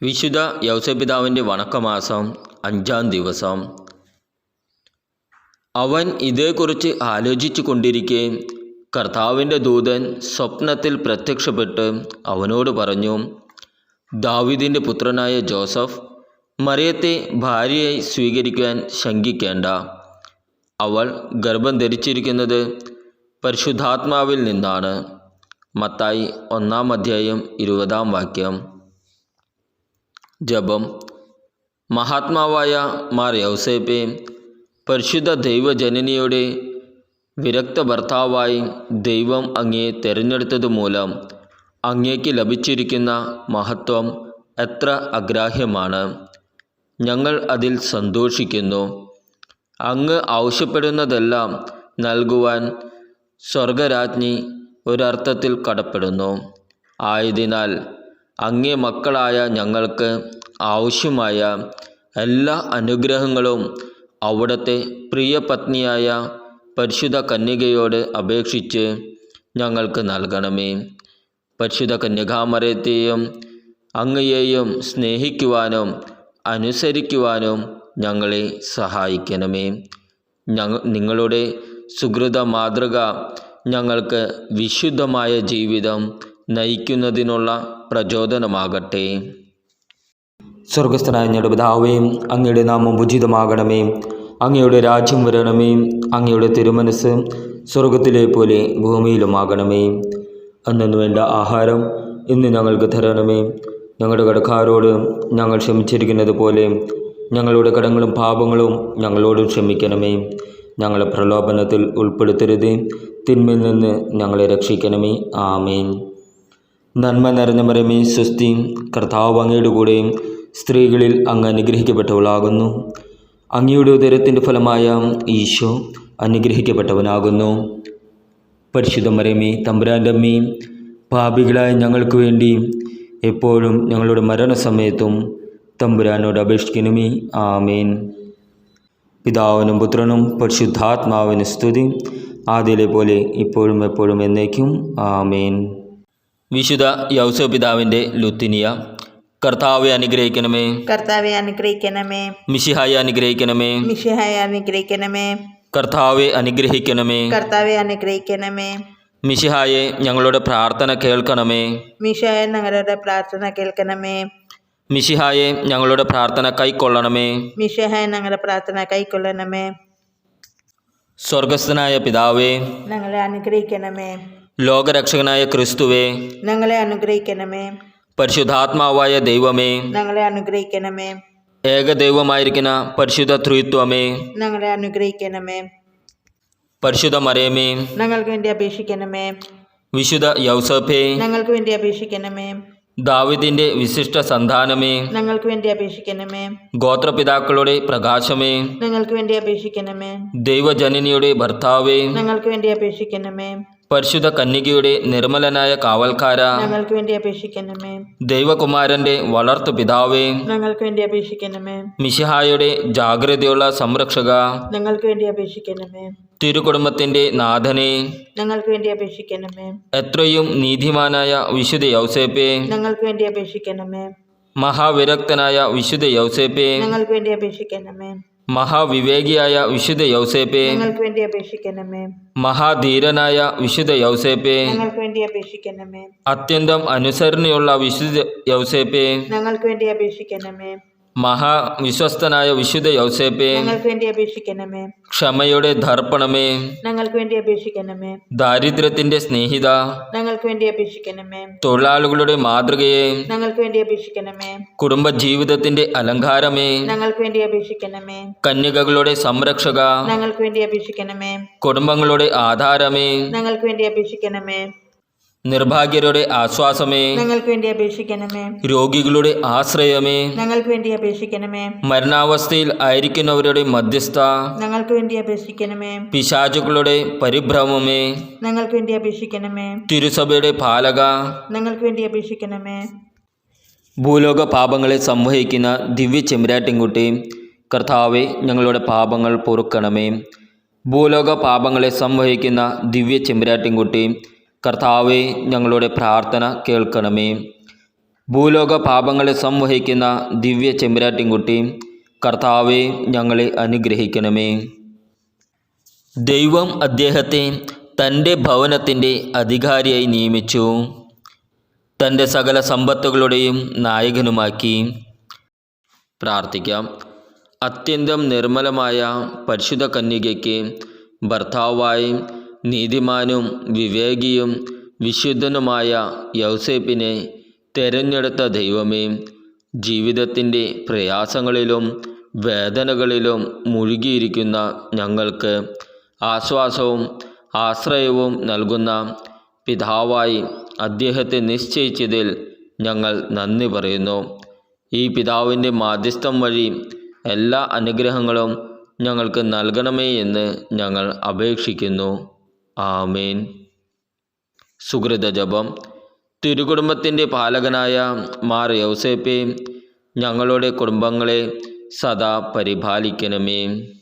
വിശുദ്ധ യൗസപിതാവിൻ്റെ വണക്കമാസം 5-ാം ദിവസം. അവൻ ഇതേക്കുറിച്ച് ആലോചിച്ചു കൊണ്ടിരിക്കെ കർത്താവിൻ്റെ ദൂതൻ സ്വപ്നത്തിൽ പ്രത്യക്ഷപ്പെട്ട് അവനോട് പറഞ്ഞു, ദാവീദിൻ്റെ പുത്രനായ ജോസഫ്, മറിയത്തെ ഭാര്യയായി സ്വീകരിക്കാൻ ശങ്കിക്കേണ്ട. അവൾ ഗർഭം ധരിച്ചിരിക്കുന്നത് പരിശുദ്ധാത്മാവിൽ നിന്നാണ്. മത്തായി 1-ാം അധ്യായം 20-ാം വാക്യം. ജപം. മഹാത്മാവായ മാർ യൗസേപ്പെ, പരിശുദ്ധ ദൈവജനനിയുടെ വിരക്ത ഭർത്താവായി ദൈവം അങ്ങയെ തിരഞ്ഞെടുത്തതുമൂലം അങ്ങേക്ക് ലഭിച്ചിരിക്കുന്ന മഹത്വം എത്ര അഗ്രാഹ്യമാണ്. ഞങ്ങൾ അതിൽ സന്തോഷിക്കുന്നു. അങ്ങ് ആവശ്യപ്പെടുന്നതെല്ലാം നൽകുവാൻ സ്വർഗരാജ്ഞി ഒരർത്ഥത്തിൽ കടപ്പെടുന്നു. ആയതിനാൽ അങ്ങേ മക്കളായ ഞങ്ങൾക്ക് ആവശ്യമായ എല്ലാ അനുഗ്രഹങ്ങളും അവിടുത്തെ പ്രിയ പത്നിയായ പരിശുദ്ധ കന്യകയോട് അപേക്ഷിച്ച് ഞങ്ങൾക്ക് നൽകണമേ. പരിശുദ്ധ കന്യകാമറിയത്തെയും അങ്ങയെയും സ്നേഹിക്കുവാനും അനുസരിക്കുവാനും ഞങ്ങളെ സഹായിക്കണമേ. നിങ്ങളുടെ സുഹൃത മാതൃക ഞങ്ങൾക്ക് വിശുദ്ധമായ ജീവിതം നയിക്കുന്നതിനുള്ള പ്രചോദനമാകട്ടെ. സ്വർഗസ്ഥനായ ഞങ്ങളുടെ പിതാവേ, അങ്ങയുടെ നാമം ഉചിതമാകണമേ. അങ്ങയുടെ രാജ്യം വരണമേ. അങ്ങയുടെ തിരുമനസ് സ്വർഗത്തിലെ പോലെ ഭൂമിയിലുമാകണമേ. അന്നു വേണ്ട ആഹാരം ഇന്ന് ഞങ്ങൾക്ക് തരണമേ. ഞങ്ങളുടെ കടക്കാരോട് ഞങ്ങൾ ക്ഷമിച്ചിരിക്കുന്നത് പോലെ ഞങ്ങളുടെ കടങ്ങളും പാപങ്ങളും ഞങ്ങളോട് ക്ഷമിക്കണമേ. ഞങ്ങളെ പ്രലോഭനത്തിൽ ഉൾപ്പെടുത്തരുത്, തിന്മയിൽ നിന്ന് ഞങ്ങളെ രക്ഷിക്കണമേ. ആമേൻ. നന്മ നിറഞ്ഞ മറിയമേ, സ്വസ്തി, കർത്താവ് അങ്ങയുടെ കൂടെ സ്ത്രീകളിൽ അങ്ങ് അനുഗ്രഹിക്കപ്പെട്ടവളാകുന്നു. അങ്ങയുടെ ഉദരത്തിൻ്റെ ഫലമായ ഈശോ അനുഗ്രഹിക്കപ്പെട്ടവനാകുന്നു. പരിശുദ്ധ മറിയമേ, തമ്പുരാൻ്റെ അമ്മേ, പാപികളായ ഞങ്ങൾക്ക് വേണ്ടി എപ്പോഴും ഞങ്ങളുടെ മരണസമയത്തും തമ്പുരാനോട് അപേക്ഷിക്കണമേ. ആമേൻ. പിതാവിനും പുത്രനും പരിശുദ്ധാത്മാവിന് സ്തുതി, ആദ്യയിലെ പോലെ ഇപ്പോഴും എപ്പോഴും എന്നേക്കും. ആമേൻ. വിശുദ്ധ യൗസപിതാവിൻ്റെ ലുത്തിനിയ. കർത്താവെ അനുഗ്രഹിക്കണമേ. കർത്താവെ അനുഗ്രഹിക്കണമേ. മിശിഹായെ അനുഗ്രഹിക്കണമേ. മിശിഹായെ അനുഗ്രഹിക്കണമേ. കർത്താവെ അനുഗ്രഹിക്കണമേ. കർത്താവെ അനുഗ്രഹിക്കണമേ. മിശിഹായെ ഞങ്ങളുടെ പ്രാർത്ഥന കേൾക്കണമേ. മിശിഹായെ ഞങ്ങളുടെ പ്രാർത്ഥന കേൾക്കണമേ. മിശിഹായെ ഞങ്ങളുടെ പ്രാർത്ഥന കൈക്കൊള്ളണമേ. മിശിഹായെ ഞങ്ങളുടെ പ്രാർത്ഥന കൈക്കൊള്ളണമേ. സ്വർഗസ്ഥനായ പിതാവേ, ഞങ്ങളെ അനുഗ്രഹിക്കണമേ. ലോകരക്ഷകനായ ക്രിസ്തുവേ, ഞങ്ങളെ അനുഗ്രഹിക്കണമേ. പരിശുദ്ധാത്മാവായ ദൈവമേ, ഞങ്ങളെ അനുഗ്രഹിക്കണമേ. ഏകദൈവമായിരിക്കുന്ന പരിശുദ്ധ ത്രിത്വമേ, ഞങ്ങളെ അനുഗ്രഹിക്കണമേ. പരിശുദ്ധ മറിയമേ, ഞങ്ങൾക്ക് വേണ്ടി അപേക്ഷിക്കണമേ. വിശുദ്ധ യൗസേപ്പേ, ഞങ്ങൾക്ക് വേണ്ടി അപേക്ഷിക്കണമേ. ദാവീദിന്റെ വിശിഷ്ട സന്താനമേ, ഞങ്ങൾക്ക് വേണ്ടി അപേക്ഷിക്കണമേ. ഗോത്രപിതാക്കളുടെ പ്രകാശമേ, ഞങ്ങൾക്ക് വേണ്ടി അപേക്ഷിക്കണമേ. ദൈവജനനിയുടെ ഭർത്താവേ, ഞങ്ങൾക്ക് വേണ്ടി അപേക്ഷിക്കണമേ. പരിശുദ്ധ കന്യകയുടെ നിർമ്മലനായ കാവൽക്കാര, ഞങ്ങൾക്ക് വേണ്ടി അപേക്ഷിക്കണമേ. ദൈവകുമാരന്റെ വളർത്തു പിതാവേ, ഞങ്ങൾക്ക് വേണ്ടി അപേക്ഷിക്കണമേ. മിശിഹായുടെ ജാഗ്രതയുള്ള സംരക്ഷക, ഞങ്ങൾക്ക് വേണ്ടി അപേക്ഷിക്കണമേ. തിരുകുടുംബത്തിന്റെ നാഥനെ, ഞങ്ങൾക്ക് വേണ്ടി അപേക്ഷിക്കണമേ. എത്രയും നീതിമാനായ വിശുദ്ധ യൗസേപ്പേ, ഞങ്ങൾക്ക് വേണ്ടി അപേക്ഷിക്കണമേ. മഹാവിരക്തനായ വിശുദ്ധ യൗസേപ്പേ, ഞങ്ങൾക്ക് വേണ്ടി അപേക്ഷിക്കണമേ. മഹാവിവേകിയായ വിശുദ്ധ യൗസേപ്പേ, ഞങ്ങൾക്ക് വേണ്ടി അപേക്ഷിക്കണമേ. മഹാധീരനായ വിശുദ്ധ യൗസേപ്പേ, ഞങ്ങൾക്ക് വേണ്ടി അപേക്ഷിക്കണമേ. അത്യന്തം അനുസരണയുള്ള വിശുദ്ധ യൗസേപ്പേ, ഞങ്ങൾക്ക് വേണ്ടി അപേക്ഷിക്കണമേ. മഹാവിശ്വസ്തനായ വിശുദ്ധ യൗസേപ്പേ, ഞങ്ങൾക്ക് വേണ്ടി അപേക്ഷിക്കണമേ. ക്ഷമയുടെ ദർപ്പണമേ, ഞങ്ങൾക്ക് വേണ്ടി അപേക്ഷിക്കണമേ. ദാരിദ്ര്യത്തിന്റെ സ്നേഹിത, ഞങ്ങൾക്ക് വേണ്ടി അപേക്ഷിക്കണമേ. തൊഴിലാളികളുടെ മാതൃകയെ, ഞങ്ങൾക്ക് വേണ്ടി അപേക്ഷിക്കണമേ. കുടുംബജീവിതത്തിന്റെ അലങ്കാരമേ, ഞങ്ങൾക്ക് വേണ്ടി അപേക്ഷിക്കണമേ. കന്യകകളുടെ സംരക്ഷക, ഞങ്ങൾക്ക് വേണ്ടി അപേക്ഷിക്കണമേ. കുടുംബങ്ങളുടെ ആധാരമേ, ഞങ്ങൾക്ക് വേണ്ടി അപേക്ഷിക്കണമേ. നിർഭാഗ്യരുടെ ആശ്വാസമേ, ഞങ്ങൾക്ക് വേണ്ടി അപേക്ഷിക്കണമേ. രോഗികളുടെ ആശ്രയമേ, ഞങ്ങൾക്ക് വേണ്ടി അപേക്ഷിക്കണമേ. മരണാവസ്ഥയിൽ ആയിരിക്കുന്നവരുടെ മധ്യസ്ഥ, ഞങ്ങൾക്ക് വേണ്ടി അപേക്ഷിക്കണമേ. പിശാചുക്കളുടെ പരിഭ്രമമേ, ഞങ്ങൾക്ക് വേണ്ടി അപേക്ഷിക്കണമേ. തിരുസഭയുടെ പാലക, ഞങ്ങൾക്ക് വേണ്ടി അപേക്ഷിക്കണമേ. ഭൂലോക പാപങ്ങളെ സംവഹിക്കുന്ന ദിവ്യ ചെമ്പരാട്ടിൻകുട്ടി, കർത്താവെ ഞങ്ങളുടെ പാപങ്ങൾ പൊറുക്കണമേ. ഭൂലോക പാപങ്ങളെ സംവഹിക്കുന്ന ദിവ്യ ചെമ്പരാട്ടിൻകുട്ടി, കർത്താവെ ഞങ്ങളുടെ പ്രാർത്ഥന കേൾക്കണമേ. ഭൂലോക പാപങ്ങളെ സംവഹിക്കുന്ന ദിവ്യ ചെമ്പരാട്ടിൻകുട്ടി, കർത്താവെ ഞങ്ങളെ അനുഗ്രഹിക്കണമേ. ദൈവം അദ്ദേഹത്തെ തൻ്റെ ഭവനത്തിൻ്റെ അധികാരിയായി നിയമിച്ചു, തൻ്റെ സകല സമ്പത്തുകളുടെയും നായകനുമാക്കി. പ്രാർത്ഥിക്കാം. അത്യന്തം നിർമ്മലമായ പരിശുദ്ധ കന്യകയ്ക്ക് ഭർത്താവായി നീതിമാനും വിവേകിയും വിശുദ്ധനുമായ യൗസേപ്പിനെ തിരഞ്ഞെടുത്ത ദൈവമേ, ജീവിതത്തിൻ്റെ പ്രയാസങ്ങളിലും വേദനകളിലും മുഴുകിയിരിക്കുന്ന ഞങ്ങൾക്ക് ആശ്വാസവും ആശ്രയവും നൽകുന്ന പിതാവായി അദ്ദേഹത്തെ നിശ്ചയിച്ചതിൽ ഞങ്ങൾ നന്ദി പറയുന്നു. ഈ പിതാവിൻ്റെ മാധ്യസ്ഥം വഴി എല്ലാ അനുഗ്രഹങ്ങളും ഞങ്ങൾക്ക് നൽകണമേ എന്ന് ഞങ്ങൾ അപേക്ഷിക്കുന്നു. ആമേൻ. സുകൃത ജപം. തിരുകുടുംബത്തിൻ്റെ പാലകനായ മാർ യൗസേപ്പേ, ഞങ്ങളുടെ കുടുംബങ്ങളെ സദാ പരിപാലിക്കണമേ.